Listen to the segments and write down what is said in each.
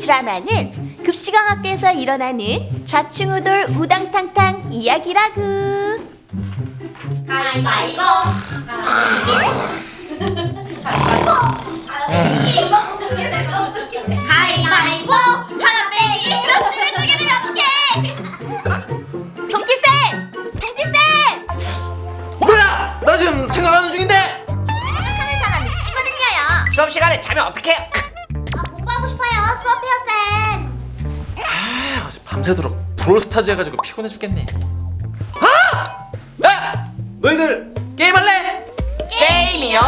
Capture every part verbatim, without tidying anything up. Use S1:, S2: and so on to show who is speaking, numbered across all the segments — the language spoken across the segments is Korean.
S1: 드라마는 급식왕학교에서 일어나는 좌충우돌 우당탕탕 이야기라구.
S2: 가위바위보. 가위바위보. 하나 빼기. 이런 찌를 두게 되면 어떡해?
S1: 동키쌤! 동키쌤!
S3: 뭐야! 나 지금 생각하는 중인데!
S2: 생각하는 사람이 치고 들려요.
S3: 수업 시간에 자면 어떡해요?
S2: 아, 공부하고 싶어요. 수업해요, 쌤.
S3: 아, 어제 밤새도록 브롤스타즈 해가지고 피곤해 죽겠네. 아! 야! 너희들 게임할래?
S2: 게임이요?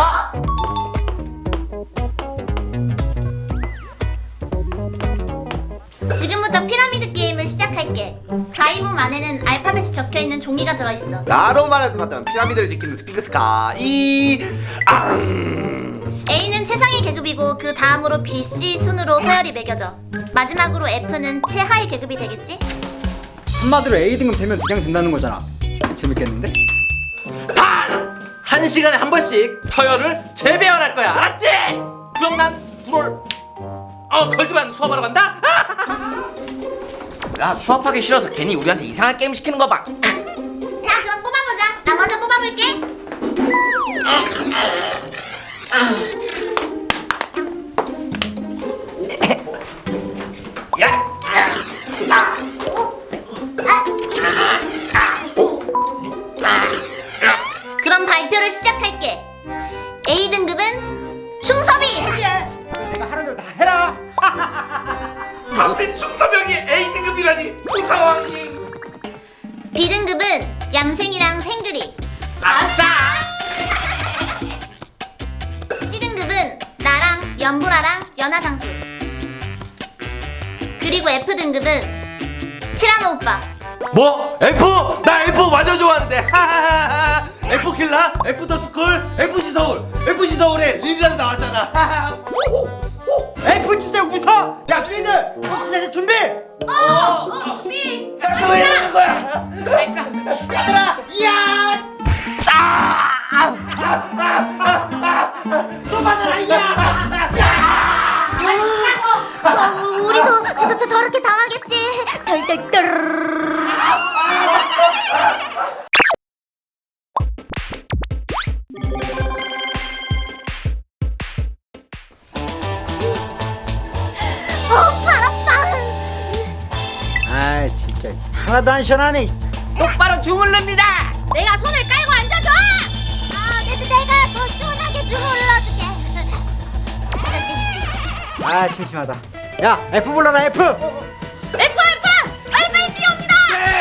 S2: 지금부터 피라미드 게임을 시작할게. 가위몸 안에는 알파벳이 적혀있는 종이가 들어있어.
S4: 나로만 같다면 피라미드를 지키는 스피크스카 이 앙.
S2: A는 최상위 계급이고 그 다음으로 B, C 순으로 서열이 매겨져. 마지막으로 F는 최하위 계급이 되겠지?
S5: 한마디로 에이 등급 되면 그냥 된다는 거잖아. 재밌겠는데?
S3: 단! 한 시간에 한 번씩 서열을 재배열할 거야, 알았지? 그럼 난 브롤 어 걸지만 수업하러 간다?
S6: 야, 수업하기 싫어서 괜히 우리한테 이상한 게임 시키는 거 봐.
S2: 자, 그럼 뽑아보자. 나 먼저 뽑아볼게.
S3: 야!
S2: 그럼 발표를 시작할게. A 등급은 충섭이.
S5: 내가 하는 대로 다 해라.
S3: 하필 충서병이 에이 등급이라니 무상왕이.
S2: B 등급은 얌생이랑 생그리.
S3: 아싸!
S2: C 등급은 나랑 연보라랑 연하상수. 그리고 F 등급은 티라노 오빠.
S3: 뭐? F? 나 F 완전 좋아하는데. F 킬라, F 더 스쿨, 에프씨 서울, 에프씨 서울에 링가드 나왔잖아.
S5: F 주제 웃어. 야, 너희들 집에서 준비.
S2: 어, 어, 준비.
S3: 왜 이러는 거야?
S5: 얘들아, 이야. 또 받아라, 이야.
S2: 어, 우리도 저, 저, 저렇게 당하겠지. 덜덜덜. 어, 발 아파.
S5: 아, 진짜 하나도 안 시원하네.
S6: 똑바로 주물릅니다.
S2: 내가 손을 깔고 앉아줘. 아, 내, 내가 더 시원하게 주물러줄게. 그렇지.
S5: 아, 심심하다. 야, F 불러라, F.
S2: F F 빨리빨리 뛰어옵니다.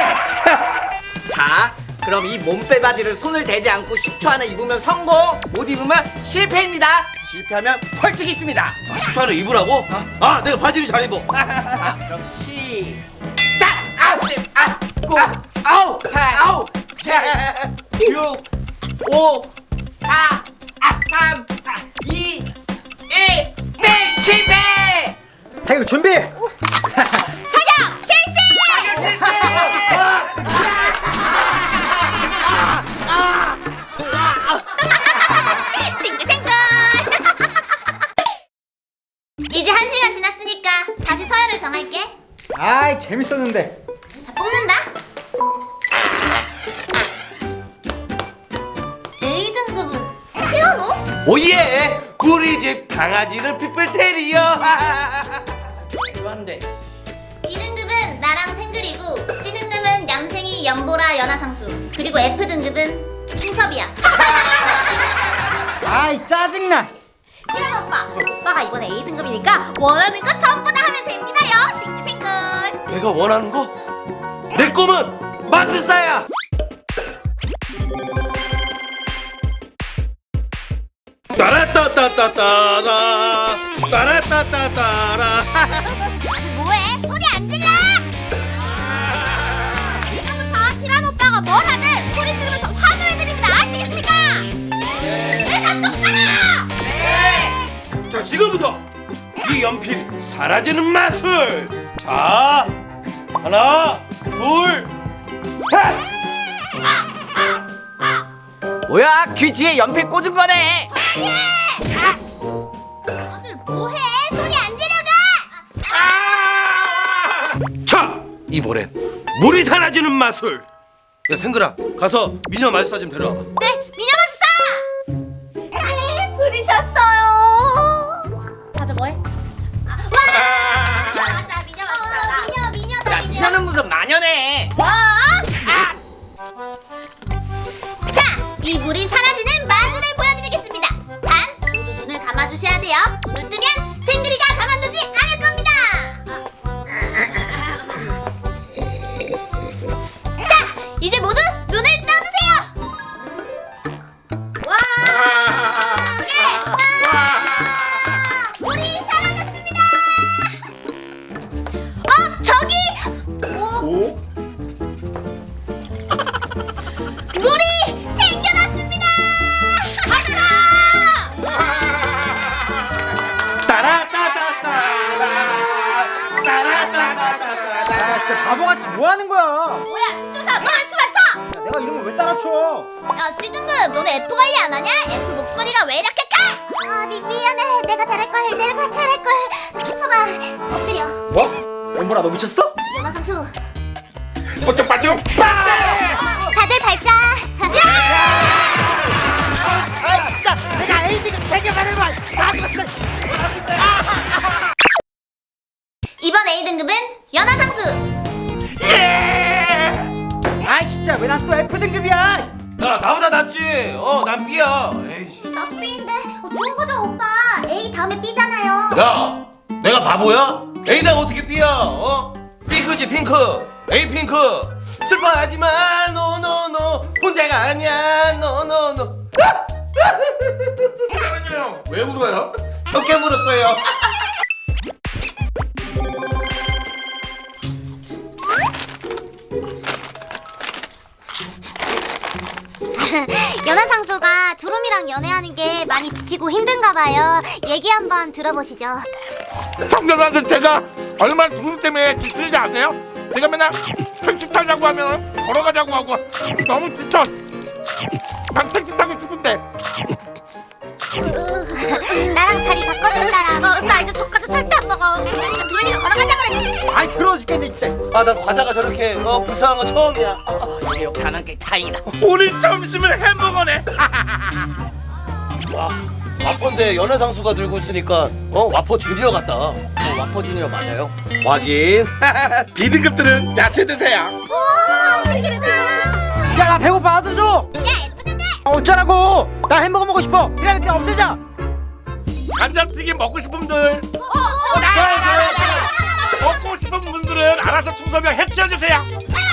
S6: 자, 그럼 이 몸빼 바지를 손을 대지 않고 십 초 안에 입으면 성공, 못 입으면 실패입니다. 실패하면 벌칙이 있습니다.
S3: 아, 십 초 안에 입으라고? 아, 내가 바지를 잘 입어.
S6: 자, 그럼 시작. 아홉, 십, 아, 구, 아홉, 팔, 아홉, 칠, 육, 오, 사, 삼, 이, 일, 네, 실패.
S5: 태극 준비.
S2: 사격 실시. 싱글싱글. 이제 한 시간 지났으니까 다시 서열을 정할게.
S5: 아이, 재밌었는데.
S2: 자, 뽑는다. A 등급은 티라노?
S3: 오예! 우리 집 강아지는 피플테리어.
S6: 좋아한데.
S2: B 등급은 나랑 생글이고 C 등급은 얌생이, 연보라, 연하상수. 그리고 F 등급은 충섭이야.
S5: 아이, 짜증나.
S2: 티라노 오빠, 오빠가 이번에 A 등급이니까 원하는 거 전부 다 하면 됩니다요. 싱글싱글.
S3: 내가 원하는 거? 내 꿈은 마술사야. 따라따따따따라 따라따따따라.
S2: 뭐해? 소리 안 질러! 지금부터 티라노 오빠가 뭘 하든 소리 지르면서 환호해드립니다. 아시겠습니까? 대답 똑바로!
S3: 자, 지금부터 이 연필 사라지는 마술. 자, 하나, 둘, 셋.
S6: 뭐야? 귀 뒤에 연필 꽂은 거네.
S2: 다들 뭐해? 소리 안 지르고!
S3: 아! 이번엔 물이 사라지는 마술. 야 생글아, 가서 미녀 마술사 좀 데려와봐.
S2: 네, 미녀 마술사. 네, 부르셨어요. 가자 뭐해? 아, 와! 맞아, 미녀 마술사. 어, 미녀, 미녀다,
S6: 야,
S2: 미녀.
S6: 미녀는 무슨 마녀네.
S2: 뭐? 아! 자, 이 물이 사라지는 마술을 보여드리겠습니다. 단, 모두 눈을 감아주셔야 돼요. 눈을 뜨면 생그리가 가만두지 않을 겁니다. 자, 이제 모두 눈을 떠주세요. 와! 물이 사라졌습니다. 어, 저기! 오? 물이 생겨났습니다. 가자!
S3: 따라따따따라 따라따따따라.
S5: 야 진짜 바보같이 뭐 하는 거야?
S2: 뭐야, 십조사, 너 춤 안 춰?
S5: 야, 내가 이런 걸 왜 따라 쳐?
S2: 야, 시등급, 너네 F 관리 안 하냐? F 목소리가 왜 이렇게 커? 아, 미, 미안해. 내가 잘할걸. 내가 잘할걸. 충성아, 엎드려.
S5: 뭐? 엠보라 너 미쳤어?
S2: 연화상수.
S3: 뽀쩍 빠쩍.
S2: 다들 발자. 이번 A등급은 연화상수.
S5: 아이 진짜 왜 난 또 F 등급이야?
S3: 야 나보다 낫지. 어, 난 B야. 에이씨.
S2: 나도 B인데 좋은 거죠, 오빠. A 다음에 B잖아요.
S3: 야, 내가 바보야? A당 어떻게 B야? 어? 핑크지 핑크. A 핑크. 슬퍼하지만 노노노 혼자가 아니야 노노노. 왜 울어요? 적게 물었어요.
S2: 연하상수가 두루미랑 연애하는 게 많이 지치고 힘든가 봐요. 얘기 한번 들어보시죠.
S7: 청년한테 제가 얼마나 두분 때문에 지치는지 아세요? 제가 맨날 택시 타자고 하면 걸어가자고 하고 너무 지쳐. 난 택시 타고 싶은데.
S2: 나랑 자리 바꿔줄 사람. 어, 나 이제 저까지 절대 안 먹어. 그러니까 두루미가 걸어가자 그러지.
S5: 아이 더러워 죽겠네 진짜.
S3: 아, 난 과자가 저렇게 어, 불쌍한 거 처음이야.
S6: 제 옆에 하는 게 다행이다.
S7: 오늘 점심은 햄버거네.
S3: 와, 와퍼인데 연애상수가 들고 있으니까 어 와퍼 주니어 같다.
S6: 와퍼 주니어 맞아요?
S3: 확인.
S7: B등급들은 야채 드세요.
S2: 우와, 신기하다.
S5: 야 나 배고파 나도 줘.
S2: 야, 예쁘던데.
S5: 아, 어쩌라고? 나 햄버거 먹고 싶어. 그냥 그냥 없애자.
S7: 감자튀김 먹고 싶은 분들,
S2: 어, 나,
S7: 저요, 저요, 저요. 먹고 싶은 분들은 알아서 충서명 해치워 주세요.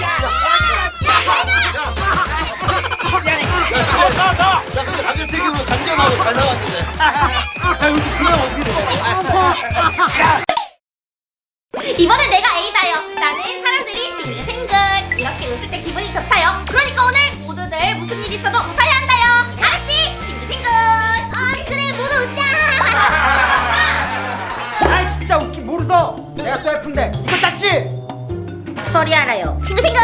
S7: 더, 더, 더.
S3: 야, 근데 감자튀김은 감자하고 잘 나왔는데. 야, 여기 그냥 어떻게 돼?
S2: 이번엔 내가 A다요. 나는 사람들이 싱글싱글 이렇게 웃을 때 기분이 좋다요. 그러니까 오늘 모두들 무슨 일 있어도 웃어야 한다요. 알았지? 싱글싱글. 아, 그래, 모두 웃자.
S5: 아이 진짜 웃기 모르서. 내가 또 F인데 이거 짰지?
S2: 처리하라요. 싱글싱글.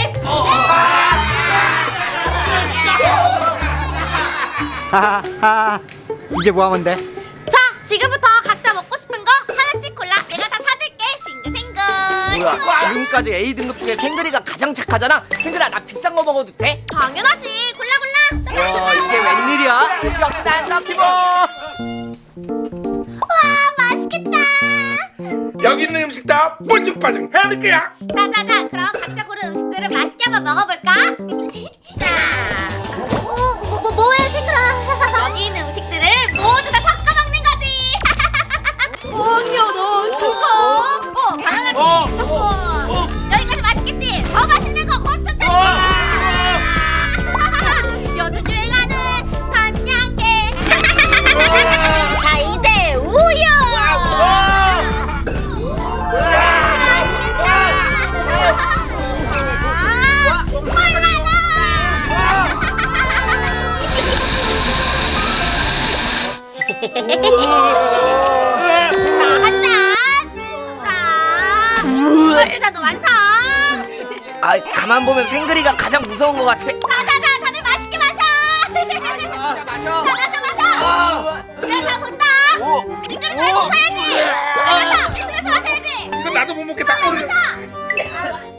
S5: 하하하. 이제 뭐 하면 돼?
S2: 자, 지금부터 각자 먹고 싶은 거 하나씩 골라. 내가 다 사줄게. 싱글싱글.
S6: 뭐야? 지금까지 A등급 중에 생그리가 가장 착하잖아. 생그라 나 비싼 거 먹어도 돼?
S2: 당연하지. 골라 골라.
S6: 와 이게 웬일이야? 역시 난 럭키보.
S2: 와, 맛있겠다.
S7: 여기 있는 음식 다 뻘쭘빠짐 해야 거야.
S2: 자자자, 그럼 각자 고른 음식들을 맛있게 한번 먹어볼까? 자, 뭐, 뭐, 뭐, 뭐해, 생그라? 여기 있는 음식들을 모두 다 섞어 먹는 거지. 언니야, 너 죽어. 어, 바나나
S3: 어,
S2: 튀김
S3: 어, 어.
S2: 여기까지 맛있겠지? 더 맛있는 거 고추 참치. 요즘 유행하는 밤양갱. 자, 이제 우유. 자, 한 잔. 자, 완전 완성.
S6: 아 가만 보면 생그리가 가장 무서운 것 같아.
S2: 자자자, 다들 맛있게 마셔.
S6: 진짜 마셔.
S2: 자, 마셔 마셔. 그래, 다 본다. 징그리 잘 먹어야지. 고생했어. 고생해서 마셔야지.
S7: 이거 나도 못 먹겠다.
S2: 마셔.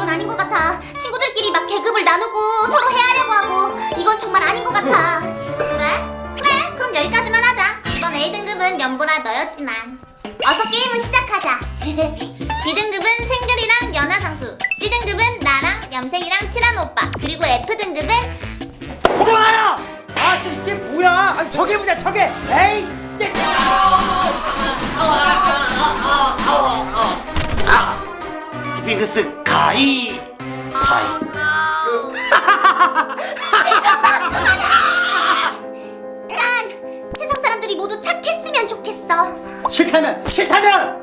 S2: 아닌 것 같아. 친구들끼리 막 계급을 나누고 서로 헤아려고 하고 이건 정말 아닌 것 같아. 그래? 그래, 그럼 여기까지만 하자. 이번 A등급은 연보라 너였지만 어서 게임을 시작하자. B등급은 생글이랑 연하장수, C등급은 나랑 염생이랑 티라노 오빠, 그리고 F등급은
S5: 뭐야? 아, 진짜 이게 뭐야? 아니 저게 뭐냐 저게? 에이!
S4: 스핑크스 가이 가이.
S2: 난 세상 사람들이 모두 착했으면 좋겠어.
S5: 싫다면 싫다면!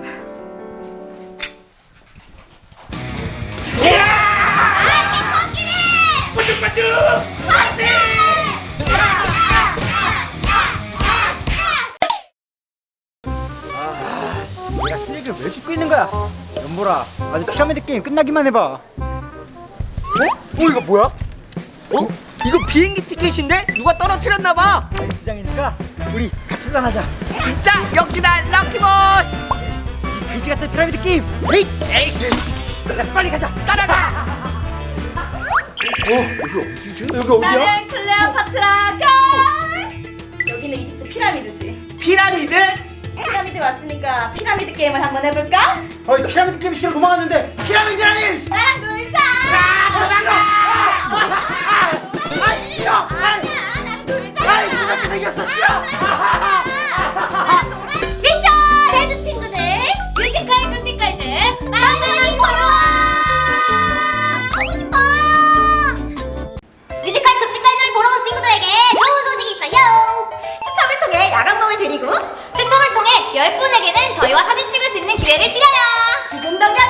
S5: 내가 쓰레기를 왜 줍고 있는 거야? 연보라, 아직 피라미드 게임 끝나기만 해봐. 어? 어 이거 뭐야?
S6: 어? 이거 비행기 티켓인데? 누가 떨어뜨렸나봐.
S5: 아이 부장이니까 우리 같이 떠나자.
S6: 진짜 역시나 럭키보이.
S5: 이 그지 같은 피라미드 게임. 에이, 에이, 야, 빨리 가자. 따라가. 어, 여기 어디지? 여기 어디야?
S1: 나는 클레오파트라 걸. 여기는 이집트 피라미드지.
S6: 피라미드?
S1: 피라미드 왔으니까 피라미드 게임을 한번 해볼까?
S5: 어, 피라미드 게임 시키러 도망갔는데 피라미드라니!
S1: 나랑 놀자.
S5: 아, 싫어!
S1: 아니야, 나랑 놀자.
S5: 아이, 무섭게 생겼어, 싫어!
S2: 미쳐! 레드 친구들 뮤지컬 급식까지 나는 보러 가고 싶어. 뮤지컬 급식까지를 보러 온 친구들에게 좋은 소식이 있어요.
S1: 추첨을 통해 야간봉을 드리고
S2: 추첨을 통해 열 분에게는 저희와 사진 찍을 수 있는 기회를 드려요.
S1: 지금 당장